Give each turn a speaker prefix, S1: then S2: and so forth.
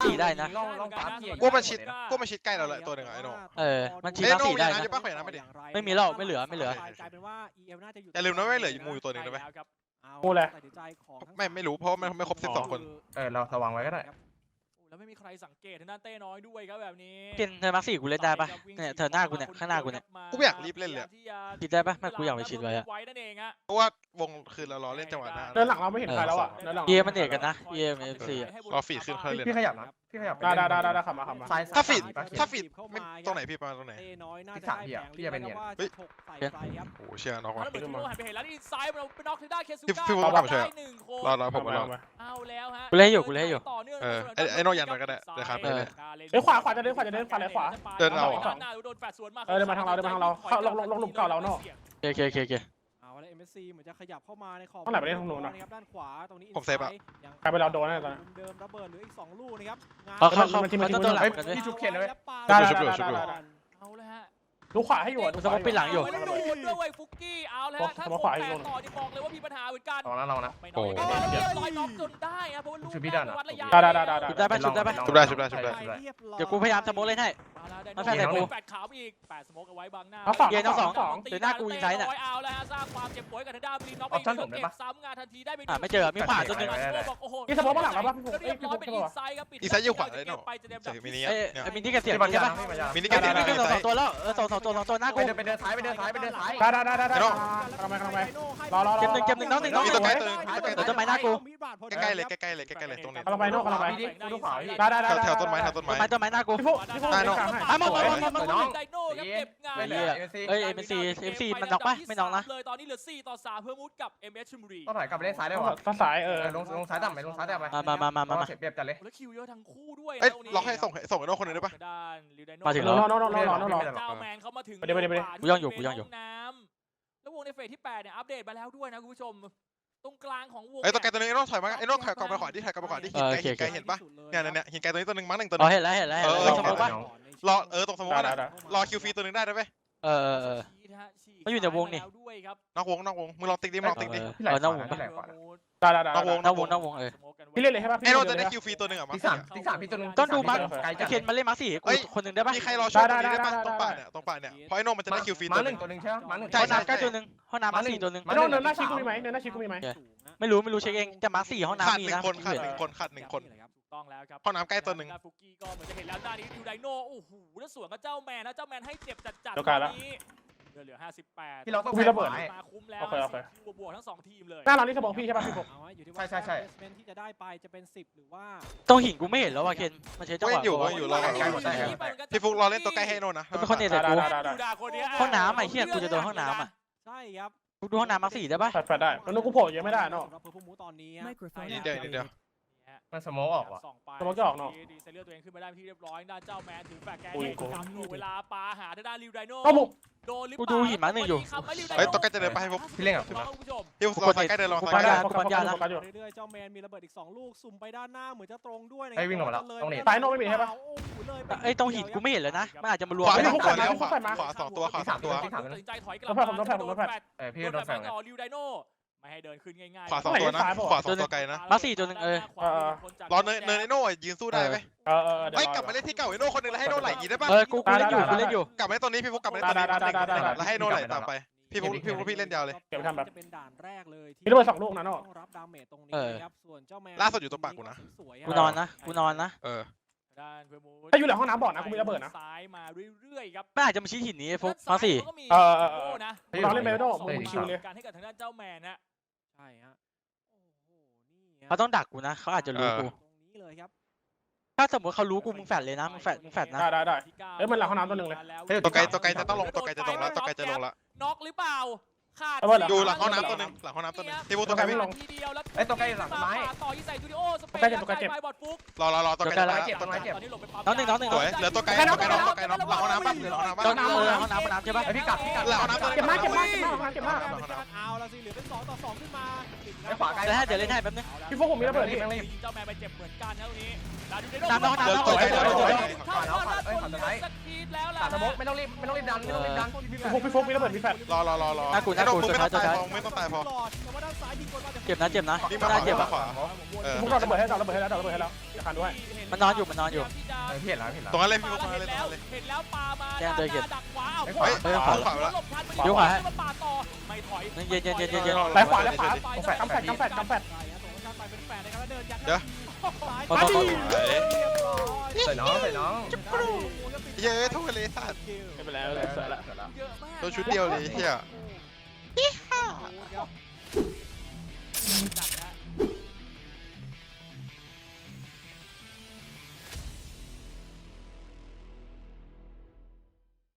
S1: 4ได้นะ
S2: ลองปั๊มพี่
S3: กูมาชิดใกล้เราเลยตัวหนึ่งไอ้โน่
S1: มันชี้มาร์ค4ได้นะ
S3: จะป้าแขวนน้ำไม่ดิ
S1: ไม่มีแล้วไม่เหลือ
S4: กลายเป็นว่า EL น่าจะอยู่
S3: อย่าลืมนะว่าเหลือมูอยู่ตัวหนึ่งนะเว้ย
S5: กูเลย
S4: ตัดสินใจของทั้ง
S3: ไม่รู้เพราะมันไม่ครบ12 คน
S2: เราสว่างไว้ก็ได้
S6: แล้วไม่มีใครสังเกตทางด้านเต้น้อยด้วยครับแบบนี้
S1: เกณฑ์เธอมาร์ค4กูเล่นได้ปะเนี่ยเธอหน้ากูเนี่ยข้างหน้ากูเนี่ย
S3: กูไม่อยากรีบเล่นเลย
S1: คิดได้ปะไม่กูอยากไปชิดไว้อะ
S6: นั่นเองฮะ
S3: เพราะว่าวงคือเรารอเล่นจังหวะหน้า
S5: เดินหลังเราไม่เห็นใครแล้วอ่ะเดินหลัง
S1: เอมันเอกกันนะ EMFC อะ
S3: รอฟีดขึ้นเขาเลย
S2: พี่ขยับนะพี่ขยับ
S5: ได้ขับมา
S3: ถ้าฟีดไม่ตรงไหนพี่ประมาณตรงไหน
S4: เต้น้อยน่าจะได้แผงพี่จะเป็นเนี่ยถกใส่ไปครับ
S3: โอ้เชียร์น็อก
S6: แล้
S3: ว่ะ
S6: วเหมือนที่โมหันไปเห็นแล้วนี่ซ้ายเราเป็นน็อกที่ได้เคสุ
S3: พี่
S6: ก้า
S3: พี่บอกช่วย
S6: ได้หนึ่งคน
S3: รอผมมารอ
S6: เอาแล้วฮะ
S1: กูเล่นอยู่กูเล่นอยู่
S6: ต่อเนื่อง
S3: ไอ้โน่ยันมันก็ได้เดี๋ยวครับไปเลย
S5: เฮ้ยขวาจะเดินขวาเลยขวา
S3: เดินเอา
S6: โดนแฟดสวนมา
S5: เดินมาทางเราเข้าลงหลุมเก่าเราเนาะ
S1: โอเค
S4: เอาแล้ว MSC เหมือนจะขยับเข้ามาในขอบ
S5: ต้องไหนไปเล่นทางโน้นอะ
S4: ครับด้านขวาตรงนี้
S3: ผมเซฟอะ
S5: ใครไปเราโดนแน่ตอน
S4: เดิมระเบิดเหลืออีก2ลูกนะครับ
S1: เขาต้นหลัง
S2: เฮ้ย
S1: กันด้วย
S2: พี่ชุบเคนเลย
S5: ได้
S6: เอาเลยฮะ
S5: ดูขวาให้อยู่
S1: กูสมมติปิดหลังอยู่
S6: ไม่ได้โดนด้วยเว้ยฟุกกี้เอาแล้วถ้าผมแตกต่อนี่บอกเลยว่ามีปัญหาเหมือนกัน
S2: ลองนะ
S6: ไม่น้อยเรียบร้อยน็อกจนได้ครับเพราะว่าลูกวัดระยะ
S1: ชุบได้ปะชุบได้ปะ
S3: ชุบได้
S1: เดี๋ยวกูพยายามสโมกเล่นให้
S6: มาแฟนแต่กูแฟดขาวอีก8สโมกเอาไว้บังหน้า
S1: เย็นทั้งสองเดี๋ยวหน้ากูยิงไซส์น่ะ
S6: เอาแล้วฮะสร้างความเจ็บปวดกับทางด้านบลีน็อกไปเก็บซ้ำงานทันทีได้ไป
S1: ไม่เจอมีขวาตัวนึง
S6: บอกโอ้โห
S5: นี่สมมติว่าหลังเราป่ะพี่
S6: เรียบร้อยเป็นอินไซด์ครับปิด
S3: อีไซอยู่ขวาเลยเนาะ
S6: ไปจะเดมดั
S3: ใส่
S6: บ
S3: มินิ
S1: เอ้
S3: เนี่ย
S1: มินี่กระเสียบ
S2: พี่
S1: ใช่ปะ
S3: มินิ
S1: มิ
S3: กัน
S1: นี่
S3: มิ
S1: ก็
S3: นิ
S1: ส
S3: ไซ
S1: องตัวแล้วสองตัวหน้ากู
S2: ไปเดินซ้าย
S5: ได้รอ
S4: เก็บหนึ่ง
S1: น้องหนึ่ง
S3: มีตัวใกล้ตัวนึง
S1: เดี๋ยวต้นไม้หน้ากู
S3: ใกล้เลยตรงนี้
S5: กำลังไปโน่กำลังไป
S2: พี่ดิดูขวาพี่
S5: ได้
S3: แถวต้นไม้
S1: ต้นไม้หน้ากู
S5: พี่ฟุ๊ก
S3: ได้เนอะ
S1: มา
S6: ไดโน่ครับเก็บงาน
S2: ไม่เหลือ
S1: เอ้ยMC มันน็อกปะไม่น็อกนะ
S6: เลยตอนนี้เหลือ4ต่อ3เพื่อมุดกับ MS ชลบุรี
S2: ต้องถอยกลับไปเล่นซ้ายได้ป่ะ
S5: ภาษา
S2: ลงซ้ายต่ำไปลงซ้ายต่ำไป
S1: มา
S2: เสียเปรียบจัดเลย
S6: แล้วคิวเยอะทั้งคู่ด้วย
S3: เอ้ยล็อกให้ส่งไอ้โน่คนนึงได้ปะ
S6: ด้านลิวไดโน่
S1: มาถึง
S5: ร
S1: แล้ว
S5: อ
S6: เจ้าแมนเขามาถึง
S5: ไปดิ
S1: กูย่องอยู่
S6: น้ำแล้ววงในเฟสที่8เนี่ยอัปเดตมาแล้วด้วยนะคุณผู้ชมตรงกลางของวง
S3: ไอ้ตัวไกลตัวนึงไอ้โน่ถอยมาไอ้โน่ถอยกลับไปขวาดิถอยกลับไปขวาดิหินไกลเห็นปะเนี่ยหินไกลตัวนี้ตัวนึงมั้งหนึ่งตัวนึ
S1: อ๋อง เห็นแล้วสมมติปะ
S3: รอตรงสมมุตินะรอคิวฟรีตัวนึงได้ไหม
S1: มันอยู่ในวงนี่
S3: นอกวงมึงลองติ๊กดิมึงลองติ๊กดิ
S2: พี่ไหลขวาพี่ไหลขวา
S1: นอกวง
S5: พี่เล่นเลยใช่ป่ะ
S3: ไอ้โน่จะได้คิวฟรีตัวนึงอ่ะมั้ง
S2: ที่สามพี่ตัวนึง
S1: ต้องดูมา
S2: ไกลจัด
S1: เคนมาเล่นมาสี่กูคนหนึ่งได้ปะ
S3: มีใครรอช่วยตรงนี้ได้ปะตรงป่าเนี่ยเพราะไอ้โน่มันจะได้คิวฟรี
S2: มา
S3: ตัว
S2: ห
S3: นึ
S2: นึ่
S3: ง
S2: งตัวนึงใช่ไหมมาหนึ่ง
S1: ห้องน้ำใกล้ตัวนึงห้องน้ำมาสี่ตัวนึง
S5: โน่เนินหน้าชีกูมีไหมเนินหน้าชีกูมีไหม
S1: ไม่รู้เช็คเองแต่มาสี่ห้อง
S3: ขาด
S1: น้ำมี
S3: หนึ่
S1: นะ
S3: งคนขาดหนึ่งคน
S6: ถูกต้องแล้วครับ
S3: ห้องน้ำใกล้ตัวนึง
S6: ฟุกี้ก็เหมือนจะเห็นแล้วด้านนี้ดูไดโน่โอ้โหแล้วสวนกับเจ้าแมนนะเจ้าแมนให้เจ็บจัดนี้เหลือ58
S2: พี่เราต้อง
S6: มาคุ้มแล้วบวกทั้ง2ทีมเลย
S5: หน้าเรานี่สมองพี่ใช่ป่ะพี่ฟุ๊ก
S4: อยู่ที่ว่าที่จะได้ไปจะเป็น10หรือว่า
S1: ตรงหินกูไม่เห็นแล้วว่ะเคนมันใช้จังหวะ
S3: อยู่รอพี่ฟุกรอเล่นตัวใกล้ให้โน่นะ
S1: เป็นคนเน็ตแต่กู ห้องน้ำไอ้เหี้ยกูจะโดนห้องน้ำอ่ะ
S4: ใช่ครับ
S1: กูดูห้องน้ำมาสี่ได้ปะ
S5: แฟดได้แล้วกูโผล่เยอะไม่ได้เนาะ
S4: เราเพิ่มมูตอนนี้
S3: นิดเดียว
S2: มันสโมกออกว่ะ
S6: ดีเซลเลือดตัวเองขึ้นมาได้ที่เรียบร้อยด้านเจ้าแมนถือแฟร์แกนเวลาปาหาด้านริวไดโน่
S5: ก็บุก
S6: โดนหรือเป
S1: กู
S6: ล่า
S1: ดูหิมะหนึ่งอยู่
S3: เฮ้ยตัวใกล้จะเดินไปให้ฟุก
S2: พี่เล่นกับ
S6: คุณผู้ชม
S3: พี่ฟุกรอใกล้เดินรอ
S5: กู
S3: ใก
S5: ปั
S3: ล้
S5: ญญากูปัญญานะ
S4: เรื่อยๆเจ้าแมนมีระเบิดอีก2ลูกสุ่มไปด้านหน้าเหมือนจะตรงด้วยนะ
S5: สายโน่ไม่มีใช่ป่ะ
S1: ไอ้ตรงหินกูไม่เห็นเลยนะมันอาจจะมารวม
S3: ขวา
S1: กัน
S3: ขวาแล้วขวา2ตัวขวา2ตัว
S6: ตัดสินใจถอยกลับมา
S2: พี่โดนแฝง
S6: ต่อริวไดโน่ไม่ให้เดินขึ้นง่ายๆ
S3: ขวา2ตัวนะขวา2ตัวไกลนะ
S1: มาสี่ตัวนึง
S3: รอเนินไอ้โน่ยืนสู้ได้ไหม
S5: เดี๋ยว
S3: เฮ้ยกลับมาเล่นที่เก่าไอ้โน่คนนึงแล้วให้โน่ไหลยีได้ปะ
S1: กูเล่นอยู่
S3: กลับมาเล่นตัวนี้พี่ฟุกกลับมาเล่นตัวนี้แล้วให้โน่ไหลตามไปพี่ฟุกพี่เล่นยาวเลย
S5: เก็บทำแบบ
S4: จะเป็นด่านแรกเลย
S5: มีระเบิด2ลูกนะเนาะ
S4: ต้องรับดาเมจตรงนี้ครับส่วนเจ้าแมน
S3: ล่าสุดอยู่ตรงปากกูนะ
S1: กูนอนนะ
S6: ด้านเพื่อมู
S5: ถ้าอยู่หลังห้องน้ำบ่อนะกูมีระเบิดนะ
S6: ซ้ายมาเรื่อยๆครับ
S1: มันอาจจะมาชี้หินนี้ฟุกมาสี่
S6: นะ
S5: เราเล่นเบลโน่มึงคิวเลย
S6: การให้กับทางด้านเจ้าแมนนะ
S4: ใช่ฮะโอ้โหนี่
S1: เขาต้องดักกูนะเขาอาจจะรู้กู
S4: ตรงนี้เลยครับ
S1: ถ้าสมมติเขารู้กูมึงแฟดเลยนะมึงแฟดนะ
S5: ได้ เอ้ยมันหลังห้องน้ำตัวหนึ่งเลย
S3: ตัวไกลจะต้องลงตัวไกลจะลงละ
S6: น็อกหรือเปล่าขาด
S3: อยู่หลังห้องน้ำตัวนึงพี่ฟุกตัวไกลพี่
S6: ทีเดียวแล้ว
S2: ไอ้ตัวใกล้หลังไม้
S6: ต่อยี่ใส่จูดิโอสเปนไปบอดฟุก
S3: รอตัวไกล
S2: เก็บต้นไม้เก็บ
S6: ตอนนี้หลบไปปั๊ม
S1: น้องหนึ่ง
S3: สวยเหลือตัวไกลน้องหลังห้องน้ำปั๊บหลังห้องน้ำ
S1: ต้
S3: ปั๊
S1: น
S3: บ
S1: ห้องน้ำใช่ปะ
S2: ไอพี่กลับ
S3: หลังห้องน้ำตัว
S5: เก็บมาก
S4: เอาละสิเหลือเป็น2ต่อ2ขึ้นมา
S2: ไอขวาไกล
S1: เดี๋ยวเล่นให้แป๊บนึง
S5: พี่ฟุ๊กผมมีระเบิด
S2: รีบรีบ
S6: เจ้าแมนไปเจ็บเหมือนกันนะตรงนี้
S2: ตัดสโมกไม่ต้องรีบดัน
S5: พี่ฟุ๊กมีระเบิดมีแฟด
S3: รอ
S1: หน้ากู
S3: โดนมึงไม่ต้องตายพอไม่ต้องตายพอ
S1: เจ็บนะเจ็บนะ
S3: วิ่ง
S1: ไม่
S3: มา
S1: น่า
S3: ข
S1: เจ็บ
S3: วา
S1: อ่ะ
S3: ขวาเออ
S5: พวกเราระเบิดให้เราระเบิดให้แล้วเราระเบิดให้แล้วจะคันด้วย
S1: มันนอนอยู่มันนอนอยู่
S2: พี่เห็นแล้วพี่เห็นแล้ว
S3: ตรงนั้นเลยพี่พวก
S6: เห็
S3: นั้น
S6: น
S3: เลยตรง
S6: แล้ว
S3: นั้นเลย
S6: เห็นแล้วปามา
S1: แจ้งเลยเก็บ
S6: ดักขวาเอา
S3: เฮ้ย
S1: เฮ้ย
S3: ขวาแล้ว
S6: หลบทัน
S1: เดี๋ยวขวาให้
S6: ปาต่อไม่ถอย
S1: เย็นเย็นเย็นเย็นเย็น
S5: ไหลขวาไหลขวากำแฟดกำแฟดกำแฟด
S3: เดี๋ยว
S1: มาต่อ
S2: ใส่น้องใส่น้อง
S3: เย้ทุกเลยสัตว์
S5: ไม่เป็นไรไม่เป็นไร
S3: ตัวชุดเดียวเลยเฮีย